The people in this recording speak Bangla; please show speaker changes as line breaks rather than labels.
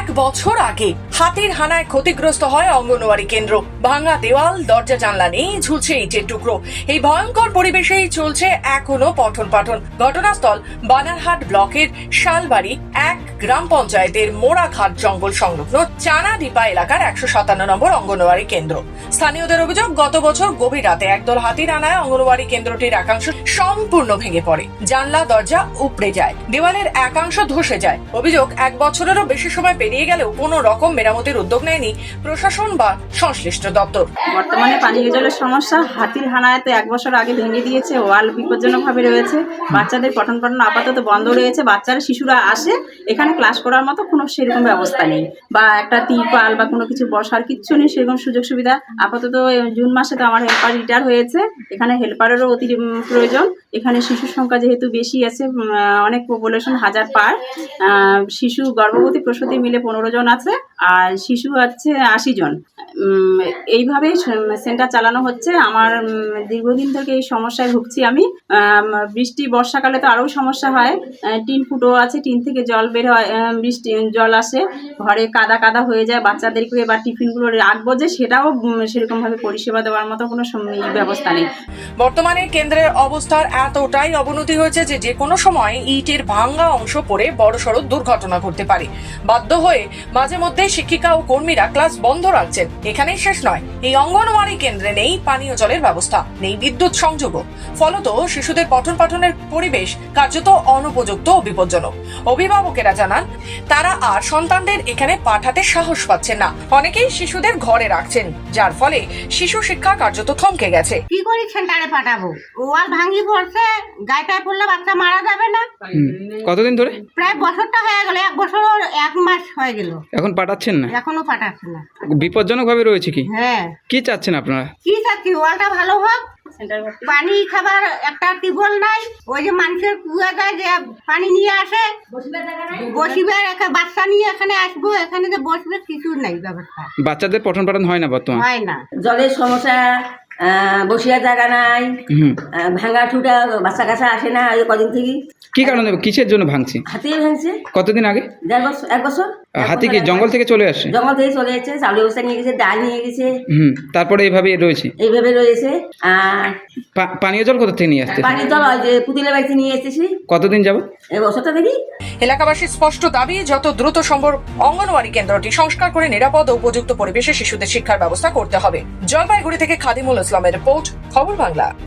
এক বছর আগে হাতির হানায় ক্ষতিগ্রস্ত হয় অঙ্গনওয়াড়ি কেন্দ্র। ভাঙা দেওয়াল, দরজা জানলা নেই, ঝুলছে ইটের টুকরো। এই ভয়ঙ্কর পরিবেশেই চলছে এখনো পঠন পাঠন। ঘটনাস্থল বানারহাট ব্লকের শালবাড়ি এক গ্রাম পঞ্চায়েতের মোড়াঘাট জঙ্গল সংলগ্ন চানাডিপা এলাকার 157 নম্বর অঙ্গনওয়াড়ি কেন্দ্র। স্থানীয়দের অভিযোগ, গত বছর গভীর রাতে একদল হাতির হানায় অঙ্গনওয়াড়ি কেন্দ্রটির একাংশ সম্পূর্ণ ভেঙে পড়ে। জানলা দরজা উপড়ে যায়, দেওয়ালের একাংশ ধসে যায়। অভিযোগ, এক বছরেরও বেশি সময় পেরিয়ে গেলেও কোনো রকম মেরামতির উদ্যোগ নেয়নি প্রশাসন বা সংশ্লিষ্ট দপ্তর।
বর্তমানে পানীয় জলের সমস্যা। হাতির হানায় তো এক বছর আগে ভেঙে দিয়েছে, ওয়াল বিপজ্জনকভাবে রয়েছে। বাচ্চাদের পঠন পাঠন আপাতত বন্ধ রয়েছে। বাচ্চারা শিশুরা আসে, এখানে ক্লাস করার মতো কোনো সেরকম ব্যবস্থা নেই, বা একটা তিরপাল বা কোনো কিছু বসার কিচ্ছু নেই, সেরকম সুযোগ সুবিধা। আপাতত জুন মাসে তো আমার হেল্পার রিটায়ার হয়েছে, এখানে হেল্পারেরও অতি প্রয়োজন। এখানে শিশুর সংখ্যা যেহেতু বেশি আছে, অনেক পপুলেশন 1000 পার। শিশু গর্ভবতী প্রসূতি মিলে 15 জন আছে, আর শিশু আছে 80 জন। এইভাবেই সেন্টার চালানো হচ্ছে। আমার দীর্ঘদিন থেকে এই সমস্যায় ভুগছি আমি। বৃষ্টি বর্ষাকালে তো আরও সমস্যা হয়। টিন ফুটো আছে, টিন থেকে জল বের হয়, বৃষ্টি জল আসে, ঘরে কাদা কাদা হয়ে যায়। বাচ্চাদেরকে বা টিফিনগুলো রাখবো যে, সেটাও সেরকমভাবে পরিষেবা দেওয়ার মতো কোনো ব্যবস্থা নেই।
বর্তমানে কেন্দ্রের অবস্থার এতটাই অবনতি হয়েছে যে কোনো সময় ইটের ভাঙা অংশ পড়ে বড়সড় দুর্ঘটনা ঘটতে পারে। বাধ্য হয়ে মাঝে মধ্যে শিক্ষিকা ও কর্মীরা ক্লাস বন্ধ রাখছেন। এখানেই শেষ নয়, এই অঙ্গনওয়াড়ি কেন্দ্রে নেই পানীয় জলের ব্যবস্থা, নেই বিদ্যুৎ সংযোগও। ফলত শিশুদের পঠন পাঠনের পরিবেশ কার্যত অনুপযুক্ত ও বিপজ্জনক। অভিভাবকেরা জানান, তারা আর সন্তানদের এখানে পাঠাতে সাহস পাচ্ছেন না। অনেকেই শিশুদের ঘরে রাখছেন, যার ফলে শিশু শিক্ষা কার্যত থমকে গেছে।
কি করি সেন্টারে পাঠাবো? ওয়াল ভাঙি পড়ছে, গায়ে টায়ে পড়লে বাচ্চা মারা যাবে না।
কতদিন ধরে?
প্রায় বছরটা হয়ে গেল, 1 বছর 1 মাস হয়ে গেল।
এখন পাঠাচ্ছেন না?
এখনো পাঠাচ্ছে না।
বিপজ্জনক ভাবে রয়েছে কি?
হ্যাঁ।
কি চাচ্ছেন আপনারা?
কি চাচ্ছি, ওয়ালটা ভালো হোক, পানি খাবার একটা টিউবওয়েল নাই, ওই যে মানুষের কুয়া যায় যে পানি নিয়ে আসে, বসিবে একটা বাচ্চা নিয়ে এখানে আসবো, এখানে যে বসবে কিছু নাই ব্যবস্থা।
বাচ্চাদের পঠন পাঠন হয় না বর্তমানে?
হয় না।
জলের সমস্যা, বসিয়া জায়গা নাই, ভাঙা ঠুটা, বাচ্চা কাছা আসে না এই কদিন থেকে।
কি কারণে, কিসের জন্য ভাঙছে?
হাতি ভাঙছে।
কতদিন আগে?
1 বছর।
হাতি কি জঙ্গল থেকে চলে আসে?
জঙ্গল থেকে চলে এসেছে, চাউল ব্যবস্থা নিয়ে গেছে, ডাল নিয়ে গেছে।
তারপরে এইভাবে রয়েছে।
এইভাবে রয়েছে। আর
পানীয় জল কোথা থেকে নিয়ে আসতে?
পানির জল ওই যে পুতিলের বাড়িতে নিয়ে এসেছি।
কতদিন যাব?
এই বছরটা দেখি।
এলাকাবাসীর স্পষ্ট দাবি, যত দ্রুত সম্ভব অঙ্গনওয়াড়ি কেন্দ্রটি সংস্কার করে নিরাপদ ও উপযুক্ত পরিবেশে শিশুদের শিক্ষার ব্যবস্থা করতে হবে। জলপাইগুড়ি থেকে খাদিমুল ইসলামের রিপোর্ট, খবর বাংলা।